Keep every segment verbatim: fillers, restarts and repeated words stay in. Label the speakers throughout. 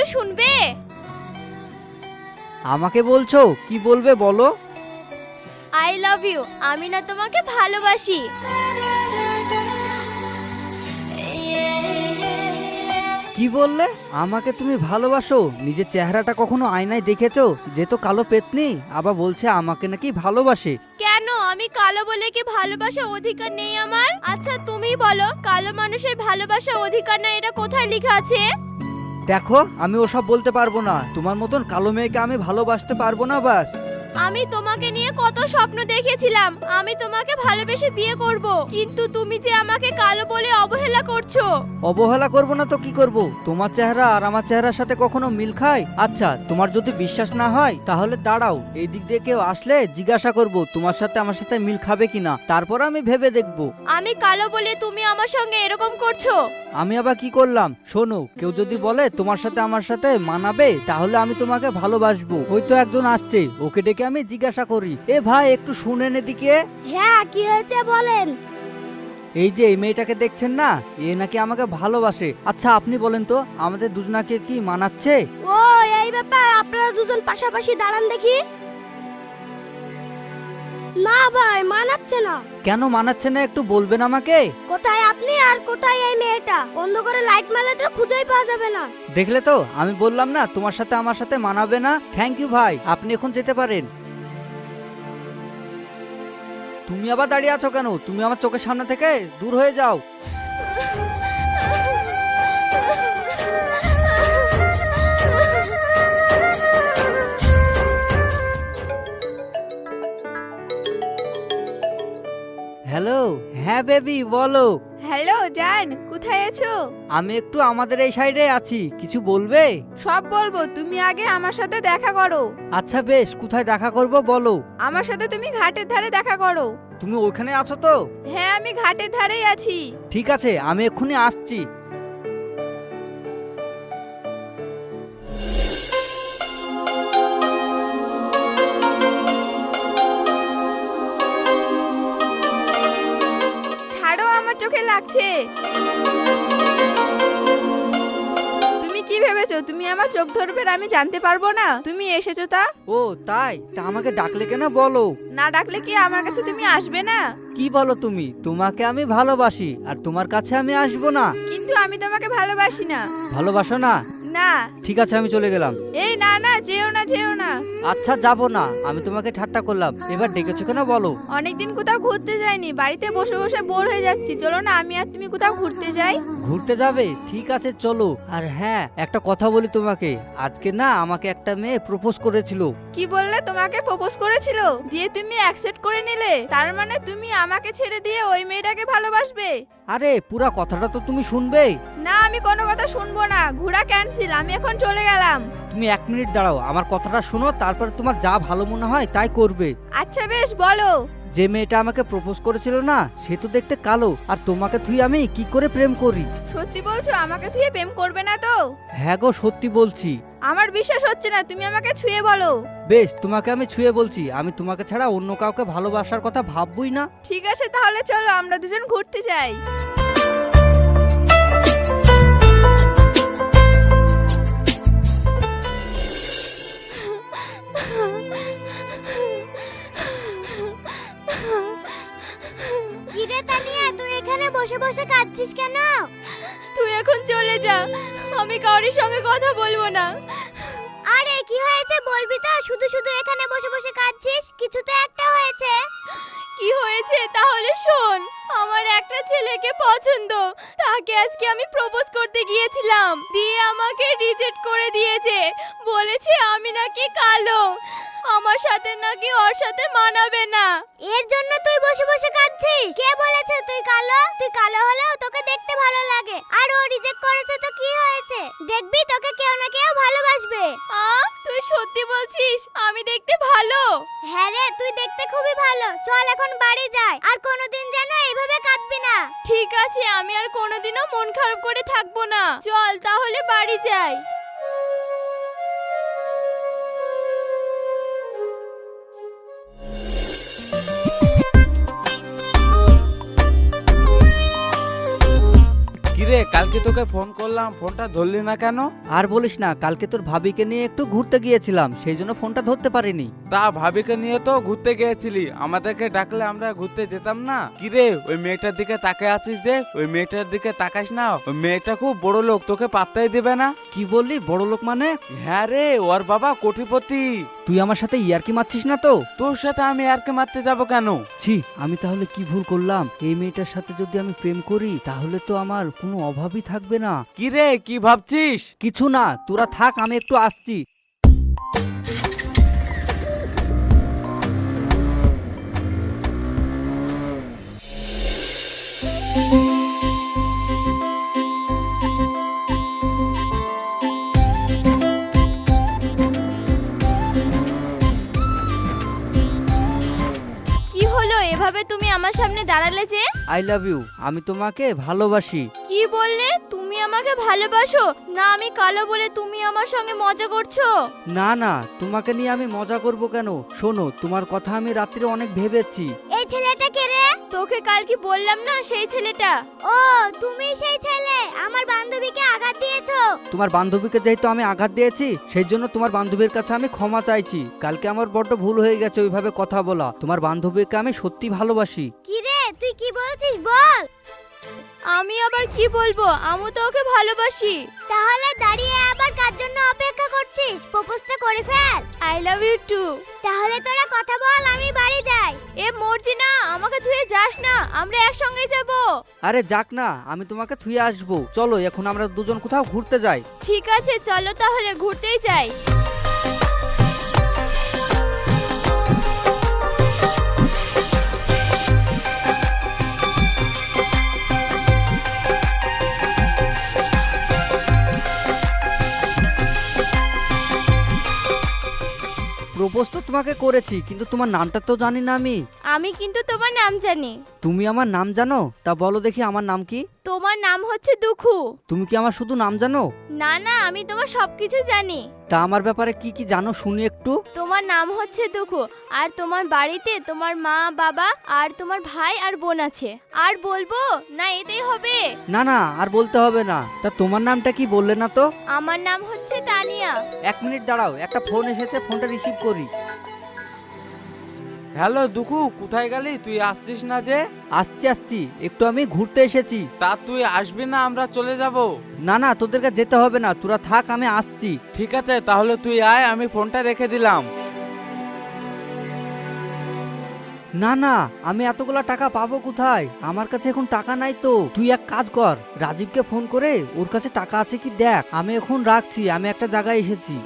Speaker 1: শুনবে?
Speaker 2: আমাকে বলছো? কি বলবে বলো।
Speaker 1: আই লাভ ইউ, আমি না তোমাকে ভালোবাসি।
Speaker 2: কি বললে? আমাকে তুমি ভালোবাসো? নিজের চেহারাটা কখনো আয়নায় দেখেছো যে তো কালো পেতনি, আবার বলছে আমাকে নাকি ভালোবাসে।
Speaker 1: কেন, আমি কালো বলে কি ভালোবাসার অধিকার নেই আমার? আচ্ছা তুমি বলো, কালো মানুষের ভালোবাসার অধিকার না এটা কোথায় লেখা আছে?
Speaker 2: দেখো আমি ওসব বলতে পারবো না, তোমার মতন কালো মেয়েকে আমি ভালোবাসতে পারবো না। বাস
Speaker 1: আমি তোমাকে নিয়ে কত স্বপ্ন দেখেছিলাম, আমি তোমাকে ভালোবেসে বিয়ে করব, কিন্তু তুমি যে আমাকে কালো বলে অবহেলা করছো।
Speaker 2: অবহেলা করব না তো কি করব? তোমার চেহারা আর আমার চেহারার সাথে কখনো মিল খায়? আচ্ছা তোমার যদি বিশ্বাস না হয় তাহলে দাঁড়াও, এই দিক দিয়ে কেউ আসলে জিজ্ঞাসা করব তোমার সাথে আমার সাথে মিল খাবে কিনা, তারপর আমি ভেবে দেখব।
Speaker 1: আমি কালো বলে তুমি আমার সঙ্গে এরকম করছো?
Speaker 2: আমি আবার কি করলাম? শোনো, কেউ যদি বলে তোমার সাথে আমার সাথে মানাবে তাহলে আমি তোমাকে ভালোবাসবো। হয়তো একজন আসছে, ওকে ডেকে আমি জিজ্ঞাসা করি, এ ভাই একটু শুনেন এদিকে।
Speaker 1: হ্যাঁ কি হয়েছে বলেন।
Speaker 2: এই যে এই মেয়েটাকে দেখছেন না, এ নাকি আমাকে ভালোবাসে। আচ্ছা আপনি বলেন তো আমাদের দুজনাকে কি মানাচ্ছে?
Speaker 1: ও এই ব্যাপার, আপনারা দুজন পাশাপাশি দাঁড়ান দেখি। না ভাই, মানাচ্ছে না।
Speaker 2: কেন মানাচ্ছে না একটু বলবেন আমাকে?
Speaker 1: কোথায় আপনি আর কোথায় এই মেয়েটা? অন্ধকারে লাইট মারলে তো খুঁজেই পাওয়া যাবে না।
Speaker 2: দেখলে তো, আমি বললাম না তোমার সাথে আমার সাথে মানাবে না। থ্যাংক ইউ ভাই, আপনি এখন যেতে পারেন। তুমি আবার দাঁড়িয়ে আছো কেন? তুমি আমার চোখের সামনে থেকে দূর হয়ে যাও। হ্যালো, হ্যাঁ বেবি বলো।
Speaker 3: হ্যালো জান, কোথায় আছো?
Speaker 2: আমি একটু আমাদের এই সাইডে আছি, কিছু বলবে?
Speaker 3: সব বলবো, তুমি আগে আমার সাথে দেখা করো।
Speaker 2: আচ্ছা বেশ, কোথায় দেখা করব বলো।
Speaker 3: আমার সাথে তুমি ঘাটের ধারে দেখা করো।
Speaker 2: তুমি ওখানে আছো তো?
Speaker 3: হ্যাঁ আমি ঘাটের ধারেই আছি।
Speaker 2: ঠিক আছে, আমি এক্ষুনি আসছি।
Speaker 3: ছাড়ো, আমার চোখে লাগছে। তুমি কি ভেবেছো তুমি আমার চোখ ধরবে আর আমি জানতে পারবো না তুমি এসেছো? তা
Speaker 2: ও তাই? তা আমাকে ডাকলে কেন বলো?
Speaker 3: না ডাকলে কি আমার কাছে তুমি আসবে না?
Speaker 2: কি বলো তুমি? তোমাকে আমি ভালোবাসি আর তোমার কাছে আমি আসবো না?
Speaker 3: কিন্তু আমি তোমাকে ভালোবাসি না।
Speaker 2: ভালোবাসো না?
Speaker 3: না।
Speaker 2: ঠিক আছে আমি চলে গেলাম।
Speaker 3: এই না না, যেও না যেও না।
Speaker 2: আচ্ছা যাবো না, আমি তোমাকে ঠাট্টা করলাম। এবার ডেকেছো কেন বলো?
Speaker 3: অনেকদিন কোথাও ঘুরতে যাইনি, বাড়িতে বসে বসে বোর হয়ে যাচ্ছি, চলো না আমি আর তুমি কোথাও ঘুরতে যাই।
Speaker 2: ঘুরতে যাবে? ঠিক আছে চলো। আর হ্যাঁ একটা কথা বলি তোমাকে, আজকে না আমাকে একটা মেয়ে প্রপোজ করেছিল।
Speaker 3: কি বললে? তোমাকে প্রপোজ করেছিল, দিয়ে তুমি অ্যাকসেপ্ট করে নিলে? তার মানে তুমি আমাকে ছেড়ে দিয়ে ওই মেয়েটাকে ভালোবাসবে?
Speaker 2: আরে পুরা কথাটা তো তুমি শুনবে।
Speaker 3: না আমি কোনো কথা শুনবো না, ঘোরা ক্যান্সেল, আমি এখন চলে গেলাম।
Speaker 2: তুমি এক মিনিট দাঁড়াও, আমার কথাটা শোনো, তারপর তোমার যা ভালো মনে হয় তাই করবে।
Speaker 3: আচ্ছা বেশ বলো।
Speaker 2: যে মেয়েটা আমাকে প্রপোজ করেছিল না, সে তো দেখতে কালো, আর তোমাকে তুই আমি কি করে প্রেম করি?
Speaker 3: সত্যি বলছো? আমাকে ছুঁয়ে প্রেম করবে না তো?
Speaker 2: হ্যাঁ গো সত্যি বলছি।
Speaker 3: আমার বিশ্বাস হচ্ছে না, তুমি আমাকে ছুঁয়ে বলো।
Speaker 2: বেশ, তোমাকে আমি ছুঁয়ে বলছি, আমি তোমাকে ছাড়া অন্য কাউকে ভালোবাসার কথা ভাববই না।
Speaker 3: ঠিক আছে তাহলে চলো আমরা দুজন ঘুরতে যাই।
Speaker 1: কিরে তানিয়া, তুই এখানে বসে বসে কাঁদছিস কেন? তুই এখন চলে যা, আমি কারোর সঙ্গে কথা বলবো না। আরে কি হয়েছে বলবি তো? শুধু শুধু এখানে বসে বসে কাঁদছিস, কিছু তো একটা হয়েছে। কি হয়েছে তাহলে শোন। আমার একটা ছেলেকে পছন্দ, তাকে আজকে আমি প্রপোজ করতে গিয়েছিলাম, দিয়ে আমাকে রিজেক্ট করে দিয়েছে। বলেছে আমি নাকি কালো, আমার সাথে নাকি ওর সাথে মানাবে না। এর জন্য তুই বসে বসে কাঁদছিস? কে বলেছে তুই কালো? তুই কালো হলেও তোকে দেখতে ভালো লাগে, আর ও রিজেক্ট করেছে তো কি হয়েছে? দেখবি তোকে কেউ না কেউ ভালোবাসবে। আ তুই সত্যি বলছিস আমি দেখতে ভালো? হ্যাঁ রে, তুই দেখতে খুবই ভালো। চল এখন বাড়ি যাই, আর কোনোদিন যেন এইভাবে কাঁদবি না। ঠিক আছে, আমি আর কোনোদিনও মন খারাপ করে থাকবো না। চল তাহলে বাড়ি যাই।
Speaker 2: রে
Speaker 4: রে, কালকে তোকে ফোন করলাম, ফোনটা ধরলি না কেন?
Speaker 2: আর বলিস না, কালকে তোর ভাবিকে নিয়ে একটু ঘুরতে গিয়েছিলাম, সেই জন্য ফোনটা ধরতে পারিনি।
Speaker 4: তা ভাবিকে নিয়ে তো ঘুরতে গিয়েছিলি, আমাদেরকে ডাকলে আমরা ঘুরতে যেতাম না? কি রে, ওই মেয়েটার দিকে তাকায় আছিস যে? ওই মেয়েটার দিকে তাকাস না, ওই মেয়েটা খুব বড় লোক, তোকে পাত্তাই দিবে না।
Speaker 2: কি বললি বড় লোক মানে?
Speaker 4: হ্যাঁ রে, ওর বাবা কোটিপতি।
Speaker 2: তুই আমার সাথে ইয়ার্কি মারছিস না তো?
Speaker 4: তোর সাথে আমি আর কে মারতে যাব কেন?
Speaker 2: ছি, আমি তাহলে কি ভুল করলাম? এই মেয়েটার সাথে যদি আমি প্রেম করি তাহলে তো আমার কোনো অভাবই থাকবে না।
Speaker 4: কি রে, কি ভাবছিস?
Speaker 2: কিছু না, তোরা থাক, আমি একটু আসছি।
Speaker 1: কি হলো, এভাবে তুমি আমার সামনে দাঁড়ালে যে?
Speaker 2: আই লাভ ইউ, আমি তোমাকে ভালোবাসি।
Speaker 1: কি বললে? তুমি আমাকে ভালোবাসো? না আমি কালো বলে তুমি আমার সঙ্গে মজা করছো?
Speaker 2: না না, তোমাকে নিয়ে আমি মজা করব কেন? শোনো, তোমার কথা আমি রাত্রে অনেক ভেবেছি।
Speaker 1: এই ছেলেটা কে রে? তোকে কাল কি বললাম না, সেই ছেলেটা। ও তুমি সেই ছেলে, আমার বান্ধবীকে আঘাত দিয়েছো।
Speaker 2: তোমার বান্ধবীকে যেহেতু আমি আঘাত দিয়েছি, সেই জন্য তোমার বান্ধবীর কাছে আমি ক্ষমা চাইছি। কালকে আমার বড্ড ভুল হয়ে গেছে ওইভাবে কথা বলা। তোমার বান্ধবীকে আমি সত্যি ভালোবাসি।
Speaker 1: কি রে, তুই কি বলছিস বল? আমি আবার কি বলবো, আমি তো ওকে ভালোবাসি। তাহলে দাঁড়িয়ে আবার কার জন্য অপেক্ষা করছিস? প্রপোজটা করে ফেল। I love you too. তাহলে তোরা কথা বল, আমি বাড়ি যাই। এ মর্জি না, আমাকে ধুয়ে যাস না, আমরা একসঙ্গে যাব।
Speaker 2: আরে যাক না, আমি তোমাকে থুয়ে আসবো। চলো এখন আমরা দুজন কোথাও ঘুরতে যাই।
Speaker 1: ঠিক আছে চলো তাহলে ঘুরতেই যাই।
Speaker 2: প্রপোজ তো তোমাকে করেছি, কিন্তু তোমার নামটা তো জানি না আমি।
Speaker 1: আমি কিন্তু তোমার নাম জানি।
Speaker 2: তুমি আমার নাম জানো? তা বলো দেখি আমার নাম কি?
Speaker 1: তোমার নাম হচ্ছে দুখু।
Speaker 2: তুমি কি আমার শুধু নাম জানো?
Speaker 1: না না, আমি তোমার সবকিছু জানি।
Speaker 2: তা আমার ব্যাপারে কি কি জানো শুনি একটু।
Speaker 1: তোমার নাম হচ্ছে দুখু, আর তোমার বাড়িতে তোমার মা বাবা আর তোমার ভাই আর বোন আছে। আর বলবো না, এতেই হবে?
Speaker 2: না না, আর বলতে হবে না। তা তোমার নামটা কি বললে না তো?
Speaker 1: আমার নাম হচ্ছে তানিয়া।
Speaker 2: এক মিনিট দাঁড়াও, একটা ফোন এসেছে, ফোনটা রিসিভ করি।
Speaker 4: হ্যালো দুখু, কোথায় গেলি? তুই আসছিস না যে?
Speaker 2: আসছি আসছি, একটু আমি ঘুরতে এসেছি।
Speaker 4: তা তুই আসবি না, আমরা চলে যাব?
Speaker 2: না না, তোদেরকে যেতে হবে না, তোরা থাক, আমি আসছি।
Speaker 4: ঠিক আছে, তাহলে তুই আয়, আমি ফোনটা রেখে দিলাম।
Speaker 2: না না, আমি এতগুলা টাকা পাবো কোথায়? আমার কাছে এখন টাকা নাই তো। তুই এক কাজ কর, রাজীবকে ফোন করে ওর কাছে টাকা আছে কি দেখ। আমি এখন রাখছি, আমি একটা জায়গায় এসেছি।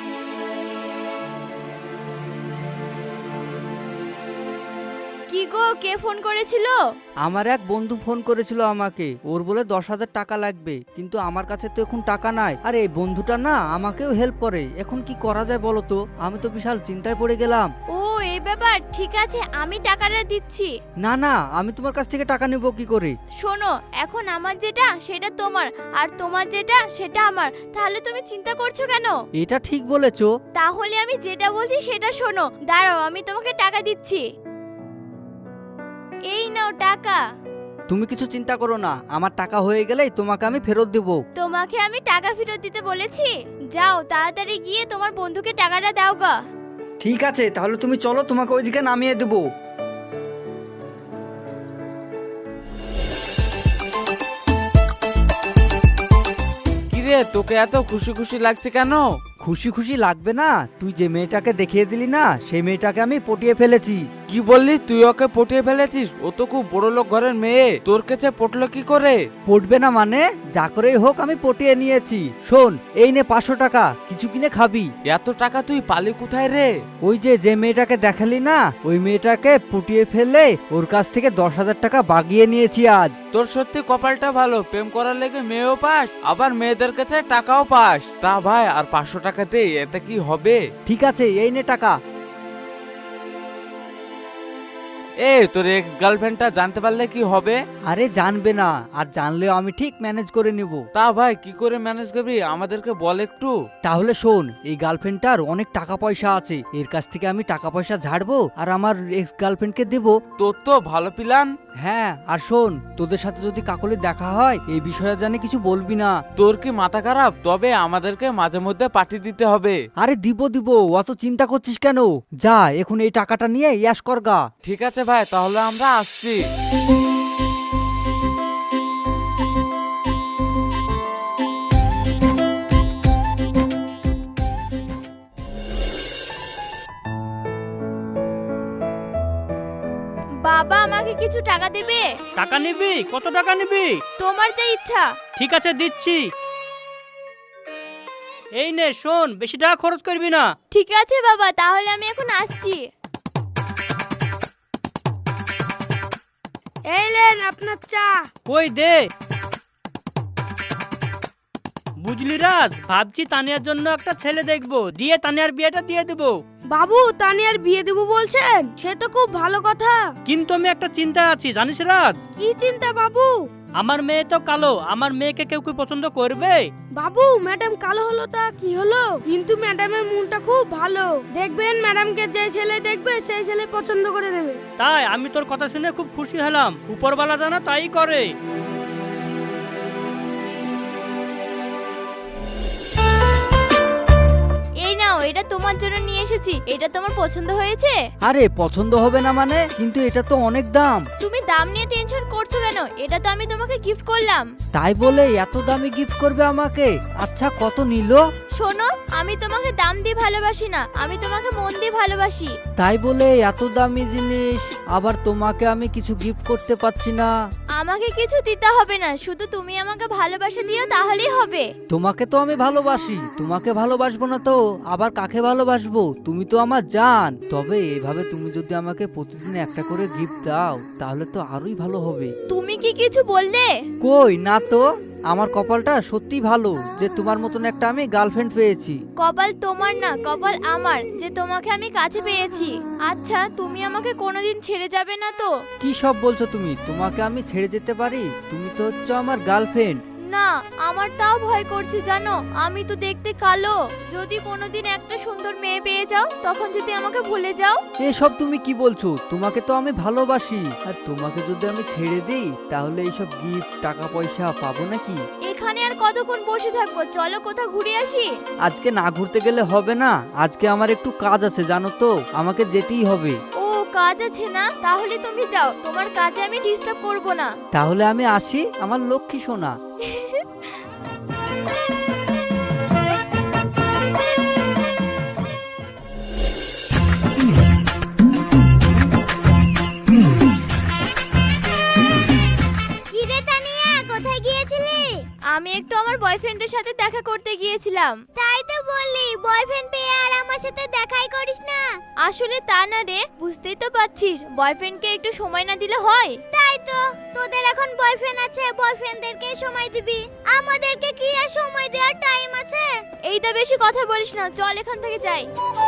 Speaker 1: কি গো, কে ফোন করেছিল?
Speaker 2: আমার এক বন্ধু ফোন করেছিল আমাকে, ওর বলে দশ হাজার টাকা লাগবে, কিন্তু আমার কাছে তো এখন টাকা নাই। আর এই বন্ধুটা না আমাকেও হেল্প করে, এখন কি করা যায় বলো তো? আমি তো বিশাল চিন্তায় পড়ে গেলাম।
Speaker 1: ও এই ব্যাপার, ঠিক আছে আমি টাকাটা দিচ্ছি।
Speaker 2: না না, আমি তোমার কাছ থেকে টাকা নেবো কি করে?
Speaker 1: শোনো, এখন আমার যেটা সেটা তোমার, আর তোমার যেটা সেটা আমার, তাহলে তুমি চিন্তা করছো কেন?
Speaker 2: এটা ঠিক বলেছো।
Speaker 1: তাহলে আমি যেটা বলছি সেটা শোনো। দাঁড়াও, আমি তোমাকে টাকা দিচ্ছি। এই নাও টাকা।
Speaker 2: তুমি কিছু চিন্তা করো না, আমার টাকা হয়ে গেলেই তোমাকে আমি ফেরত দেবো।
Speaker 1: তোমাকে আমি টাকা ফেরত দিতে বলেছি? যাও তাড়াতাড়ি গিয়ে তোমার বন্ধুকে টাকাটা দাও গা।
Speaker 2: ঠিক আছে, তাহলে তুমি চলো, তোমাকে ওইদিকে নামিয়ে দেবো।
Speaker 4: কি রে, তোকে এত খুশি খুশি লাগছে কেন?
Speaker 2: খুশি খুশি লাগবে না? তুই যে মেয়েটাকে দেখিয়ে দিলি না, সেই মেয়েটাকে আমি পটিয়ে ফেলেছি।
Speaker 4: কি বললি? তুই ওকে পটিয়ে ফেলেছিস? ও তো খুব বড় লোক ঘরের মেয়ে, তোর কাছে পটলো কি করে?
Speaker 2: পটবে না মানে? যা করেই হোক আমি পটিয়ে নিয়েছি। শোন, এই নে পাঁচশো টাকা, কিছু কিনে খাবি।
Speaker 4: এত টাকা তুই পালি কোথায় রে?
Speaker 2: ওই যে যে মেয়েটাকে দেখালি না, ওই মেয়েটাকে পটিয়ে ফেলে ওর কাছ থেকে দশ হাজার টাকা বাগিয়ে নিয়েছি আজ।
Speaker 4: তোর সত্যি কপালটা ভালো, প্রেম করার লেগে মেয়েও পাস, আবার মেয়েদের কাছে টাকাও পাস। তা ভাই, আর পাঁচশো টাকা দে, এতে কি হবে?
Speaker 2: ঠিক আছে, এই নে টাকা।
Speaker 4: এ তোর এক্স গার্লফ্রেন্ডটা জানতে পারলে কি হবে?
Speaker 2: আরে জানবে না, আর জানলেও আমি ঠিক ম্যানেজ করে নেব।
Speaker 4: তা ভাই কি করে ম্যানেজ করবি আমাদেরকে বল একটু।
Speaker 2: তাহলে শোন, এই গার্লফ্রেন্ডটার অনেক টাকা পয়সা আছে, এর কাছ থেকে আমি টাকা পয়সা ঝাড়বো আর আমার এক্স গার্লফ্রেন্ডকে দেবো।
Speaker 4: তোর তো ভালো প্ল্যান।
Speaker 2: হ্যাঁ, আর শোন, তোদের সাথে যদি কাকলির দেখা হয় এই বিষয়ে জানি কিছু বলবি না।
Speaker 4: তোর কি মাথা খারাপ? তবে আমাদেরকে মাঝে মধ্যে পার্টি দিতে হবে।
Speaker 2: আরে দিব দিব, অত চিন্তা করছিস কেন? যা এখন এই টাকাটা নিয়ে ইয়াস করগা।
Speaker 4: ঠিক আছে ভাই, তাহলে আমরা আসছি।
Speaker 1: বাবা আমাকে কিছু টাকা দেবে?
Speaker 5: টাকা নিবি? কত টাকা নিবি?
Speaker 1: তোমার যা ইচ্ছা।
Speaker 5: ঠিক আছে, দিচ্ছি। এই নে শোন, বেশি টাকা খরচ করবি না।
Speaker 1: ঠিক আছে বাবা, তাহলে আমি এখন আসছি। এই লেন আপনার চা।
Speaker 5: কই দে। বুঝলি রাজ, ভাবছি তানিয়ার জন্য একটা ছেলে দেখবো, দিয়ে তানিয়ার বিয়েটা দিয়ে দেবো।
Speaker 1: বাবু তানিয়ার বিয়ে দেবো বলছেন? সে তো খুব ভালো কথা।
Speaker 5: কিন্তু আমি একটা চিন্তা আছি জানিস রাজ।
Speaker 1: কি চিন্তা বাবু?
Speaker 5: আমার মেয়ে তো কালো, আমার মেয়েকে কেউ কি পছন্দ করবে?
Speaker 1: বাবু ম্যাডাম কালো হলো তা কি হলো, কিন্তু ম্যাডামের মনটা খুব ভালো। দেখবেন ম্যাডামকে যে ছেলে দেখবে সেই ছেলে পছন্দ করে নেবে।
Speaker 5: তাই আমি তোর কথা শুনে খুব খুশি হলাম। উপরওয়ালা জানা তাই করে।
Speaker 1: এই নাও, এটা তোমার জন্য নিয়ে এসেছি। এটা তোমার পছন্দ হয়েছে?
Speaker 2: আরে পছন্দ হবে না মানে? কিন্তু এটা তো অনেক দাম।
Speaker 1: তুমি দাম নিয়ে টেনশন করছো কেন? এটা তো আমি তোমাকে গিফট করলাম।
Speaker 2: তাই বলে এত দামি গিফট করবে আমাকে? আচ্ছা কত নিল?
Speaker 1: শোনো, আমি তোমাকে দাম দিয়ে ভালোবাসি না, আমি তোমাকে মন দিয়ে ভালোবাসি।
Speaker 2: তাই বলে এত দামি জিনিস আবার তোমাকে আমি কিছু গিফট করতে পারছি না।
Speaker 1: আমাকে কিছু দিতে হবে না, শুধু তুমি আমাকে ভালোবাসা দিও তাহলেই হবে।
Speaker 2: তোমাকে তো আমি ভালোবাসি, তোমাকে ভালোবাসবো না তো আবার কাকে ভালোবাসবো? তুমি তো আমার জান। তবে এভাবে তুমি যদি আমাকে প্রতিদিন একটা করে গিফট দাও তাহলে তো আরোই ভালো হবে।
Speaker 1: তুমি কি কিছু বললে?
Speaker 2: কই না তো, আমার কপালটা সত্যি ভালো যে তোমার মতন একটা আমি গার্লফ্রেন্ড পেয়েছি।
Speaker 1: কপাল তোমার না, কপাল আমার যে তোমাকে আমি কাছে পেয়েছি। আচ্ছা তুমি আমাকে কোনোদিন ছেড়ে যাবে না তো?
Speaker 2: কি সব বলছো তুমি? তোমাকে আমি ছেড়ে যেতে পারি? তুমি তো হচ্ছে আমার গার্লফ্রেন্ড।
Speaker 1: না, আমার তাও ভয় করছে জানো, আমি তো দেখতে কালো। যদি কোনোদিন একটা সুন্দর মেয়ে পেয়ে যাও তখন যদি আমাকে ভুলে যাও।
Speaker 2: এসব তুমি কি বলছো? তোমাকে তো আমি ভালোবাসি, আর তোমাকে যদি আমি ছেড়ে দিই তাহলে এইসব গিফট টাকা পয়সা পাবো নাকি?
Speaker 1: এখানে আর কতক্ষণ বসে থাকবো, চলো কোথাও ঘুরে আসি।
Speaker 2: আজকে না ঘুরতে গেলে হবে না, আজকে আমার একটু কাজ আছে জানো তো, আমাকে যেতেই হবে।
Speaker 1: ও কাজ আছে না? তাহলে তুমি যাও, তোমার কাজে আমি ডিস্টার্ব করব না।
Speaker 2: তাহলে আমি আসি আমার লক্ষ্মী সোনা।
Speaker 1: কিরে তানিয়া, কোথায় গিয়েছিলি? আমি একটু আমার বয়ফ্রেন্ডের সাথে দেখা করতে গিয়েছিলাম। তাই তো বললি, বয়ফ্রেন্ড পেয়ে আর আমার সাথে দেখাই করিস না। আসলে তা না রে, বুঝতেই তো পারছিস বয়ফ্রেন্ডকে একটু সময় না দিলে হয়। তাই তো, তোদের এখন বয়ফ্রেন্ড আছে, বয়ফ্রেন্ডদেরকে সময় দিবি, আমাদেরকে কি আর সময় দেওয়ার টাইম আছে? এইটা বেশি কথা বলিস না, চল এখান থেকে যাই।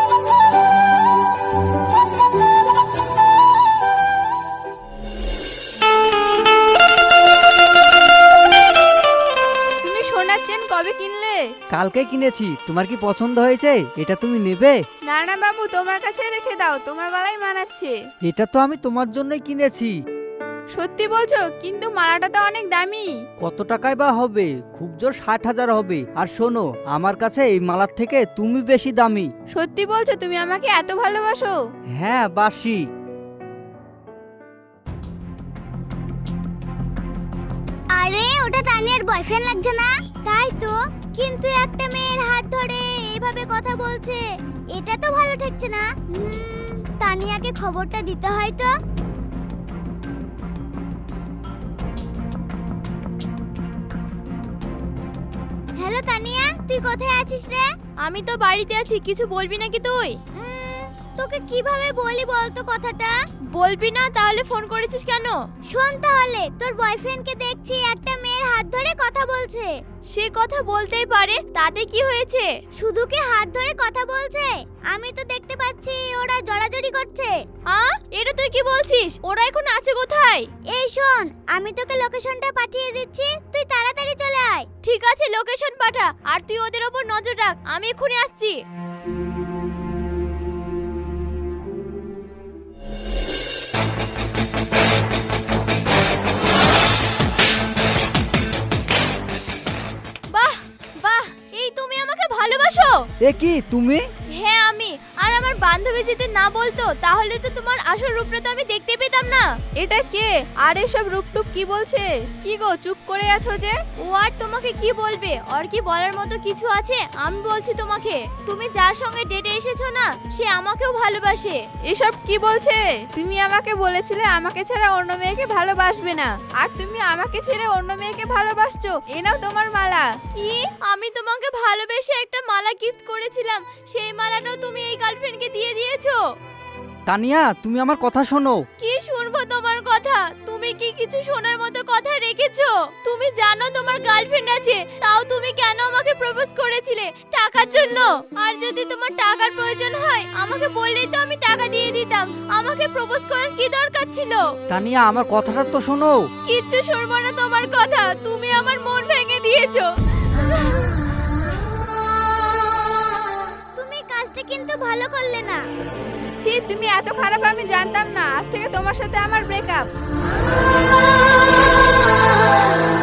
Speaker 3: তুমি সোনার চেন কবে কিনলে?
Speaker 2: কালকে কিনেছি। তোমার কি পছন্দ হয়েছে? এটা তুমি নেবে?
Speaker 3: না না বাবু, তোমার কাছে রেখে দাও, তোমার গলায় মানাচ্ছে।
Speaker 2: এটা তো আমি তোমার জন্যই কিনেছি।
Speaker 3: সত্যি বলছো? কিন্তু মালাটা তো অনেক দামি।
Speaker 2: কত টাকায় বা হবে? খুব জোর ষাট হাজার হবে। আর শোনো, আমার কাছে এই মালার থেকে তুমি বেশি দামি।
Speaker 3: সত্যি বলছো? তুমি আমাকে এত ভালোবাসো?
Speaker 2: হ্যাঁ বাসি।
Speaker 1: আরে ওটা তানিয়ার বয়ফ্রেন্ড লাগছে না? তাই তো, কিন্তু একটা মেয়ের হাত ধরে এইভাবে কথা বলছে, এটা তো ভালো ঠেকছে না। হুম, তানিয়াকে খবরটা দিতে হয় তো। হ্যালো তানিয়া, তুই কোথায় আছিস রে? আমি তো বাড়িতে আছি, কিছু বলবি নাকি তুই? তোকে কিভাবে বলি বলতো কথাটা? বলবি না তাহলে ফোন করেছিস কেন? শোন তাহলে, তোর বয়ফ্রেন্ডকে দেখছি একটা মেয়ের হাত ধরে কথা বলছে। সে কথা বলতেই পারে, তাতে কি হয়েছে? শুধু কি হাত ধরে কথা বলছে? আমি তো দেখতে পাচ্ছি ওরা জড়াজড়ি করছে। আ এটা তুই কি বলছিস? ওরা এখন আছে কোথায়? এই শোন, আমি তোকে লোকেশনটা পাঠিয়ে দিচ্ছি, তুই তাড়াতাড়ি চলে আয়। ঠিক আছে, লোকেশন পাঠা, আর তুই ওদের ওপর নজর রাখ, আমি এক্ষুনি আসছি। বাহ বাহ, এই তুমি আমাকে ভালোবাসো?
Speaker 2: এ কি তুমি?
Speaker 1: হ্যাঁ আমি। আর আমার বান্ধবী যদি না বলতো তাহলে তো তোমার আসল রূপটা তো আমি দেখতে পেতাম না।
Speaker 3: এটা কে? আর এসব রূপটুপ কি বলছে? কি গো চুপ করে আছো যে?
Speaker 1: ও আর তোমাকে কি বলবে? ওর কি বলার মতো কিছু আছে? আমি বলছি তোমাকে, তুমি যার সঙ্গে ডেটে এসেছো না, সে আমাকেও ভালোবাসে।
Speaker 3: এসব কি বলছে? তুমি আমাকে বলেছিলে আমাকে ছাড়া অন্য মেয়েকে ভালোবাসবে না, আর তুমি আমাকে ছেড়ে অন্য মেয়েকে ভালোবাসছো। এ নাও তোমার মালা।
Speaker 1: কি? আমি তোমাকে ভালোবেসে একটা মালা গিফট করেছিলাম, সেই মালাটাও তুমি এই গার্লফ্রেন্ডকে দিয়ে দিয়েছো?
Speaker 2: তানিয়া, তুমি আমার কথা শোনো।
Speaker 1: কি শুনবো তোমার কথা? তুমি কি কিছু শোনার মতো কথা রেখেছো? তুমি জানো তোমার গার্লফ্রেন্ড আছে, তাও তুমি কেন আমাকে প্রপোজ করেছিলে? টাকার জন্য? আর যদি তোমার টাকার প্রয়োজন হয় আমাকে বললেই তো আমি টাকা দিয়ে দিতাম। আমাকে প্রপোজ করার কি দরকার ছিল?
Speaker 2: তানিয়া, আমার কথাটা তো শোনো।
Speaker 1: কিচ্ছু শুনবো না তোমার কথা, তুমি আমার মন ভেঙে দিয়েছো। তুমি কাজটা কিন্তু ভালো করলে না।
Speaker 3: ছি, তুমি এত খারাপ আমি জানতাম না। আজ থেকে তোমার সাথে আমার ব্রেকআপ।